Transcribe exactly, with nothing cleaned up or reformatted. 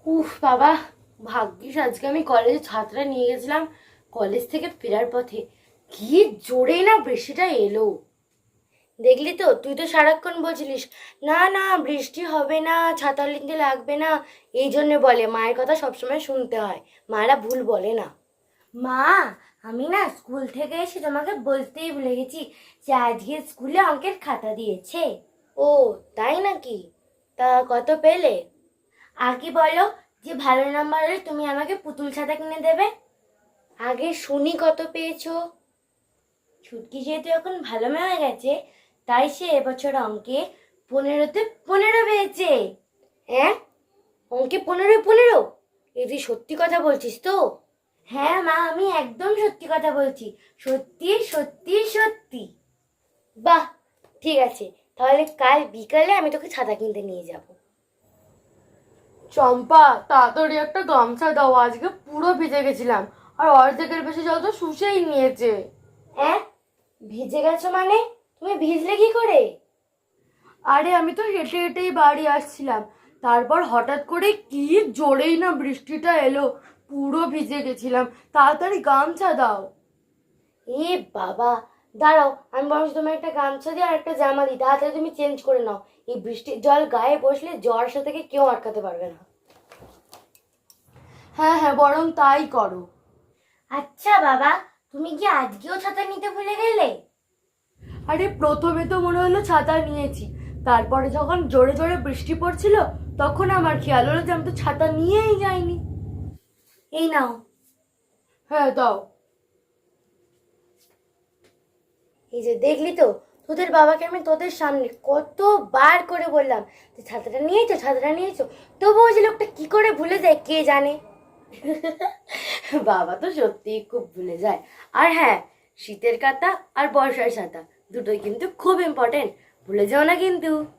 উফ বাবা, ভাগ্যিস আজকে আমি কলেজে ছাত্রা নিয়ে গেছিলাম। কলেজ থেকে ফেরার পথে কি জোরে না বৃষ্টিটা এলো। দেখলি তো, তুই তো সারাক্ষণ বলছিলিস না না বৃষ্টি হবে না, ছাতা নিতে লাগবে না। এই জন্য বলে মায়ের কথা সবসময় শুনতে হয়, মায়েরা ভুল বলে না। মা, আমি না স্কুল থেকে এসে তোমাকে বলতেই ভুলে গেছি যে আজকে স্কুলে অঙ্কের খাতা দিয়েছে। ও, তাই নাকি? তা কত পেলে? আগে বলো, যে ভালো নাম্বার হলে তুমি আমাকে পুতুল ছাতা কিনে দেবে। আগে শুনি কত পেয়েছো। ছুটকি যেহেতু এখন ভালো মেয়ে হয়ে গেছে, তাই সে এবছর অঙ্কে পনেরোতে পনেরো পেয়েছে। হ্যাঁ, অঙ্কে পনেরো পনেরো? এ তুই সত্যি কথা বলছিস তো? হ্যাঁ মা, আমি একদম সত্যি কথা বলছি। সত্যি সত্যি সত্যি। বাহ, ঠিক আছে, তাহলে কাল বিকালে আমি তোকে ছাতা কিনতে নিয়ে যাব। চম্পা, তাড়াতাড়ি একটা গামছা দাও, আজকে পুরো ভিজে গেছিলাম। আর অর্ধেকের বেশি জল তো শুষেই নিয়েছে। হ্যাঁ, ভিজে গেছো মানে? তুমি ভিজলে কি করে? আরে আমি তো হেঁটে হেঁটেই বাড়ি আসছিলাম, তারপর হঠাৎ করে কি জোরেই না বৃষ্টিটা এলো, পুরো ভিজে গেছিলাম। তাড়াতাড়ি গামছা দাও। এ বাবা, দাঁড়াও, আমি বরং তোমার একটা গামছা দিয়ে আর একটা জামা দিই, তাড়াতাড়ি তুমি চেঞ্জ করে নাও। এই বৃষ্টির জল গায়ে বসলে জ্বর সাথে কেউ আটকাতে পারবে না। হ্যাঁ হ্যাঁ, বরং তাই করো। আচ্ছা বাবা, তুমি কি আজকেও ছাতা নিতে ভুলে গেলে? আরে প্রথমে তো মনে হলো ছাতা নিয়েছি, তারপরে যখন জোরে জোরে বৃষ্টি পড়ছিল তখন আমার খেয়াল হলো যে আমি তো ছাতা নিয়েই যাইনি। এই নাও। হ্যাঁ দাও। এই যে দেখলি তো, তোদের বাবাকে আমি তোদের সামনে কতবার করে বললাম যে ছাতাটা নিয়েছো, ছাতাটা নিয়েছো, তবুও যে লোকটা কি করে ভুলে যায় কে জানে। বাবা তো সত্যিই খুব ভুলে যায়। আর হ্যাঁ, শীতের কাঁথা আর বর্ষার ছাতা দুটোই কিন্তু খুব ইম্পর্টেন্ট, ভুলে যাও না কিন্তু।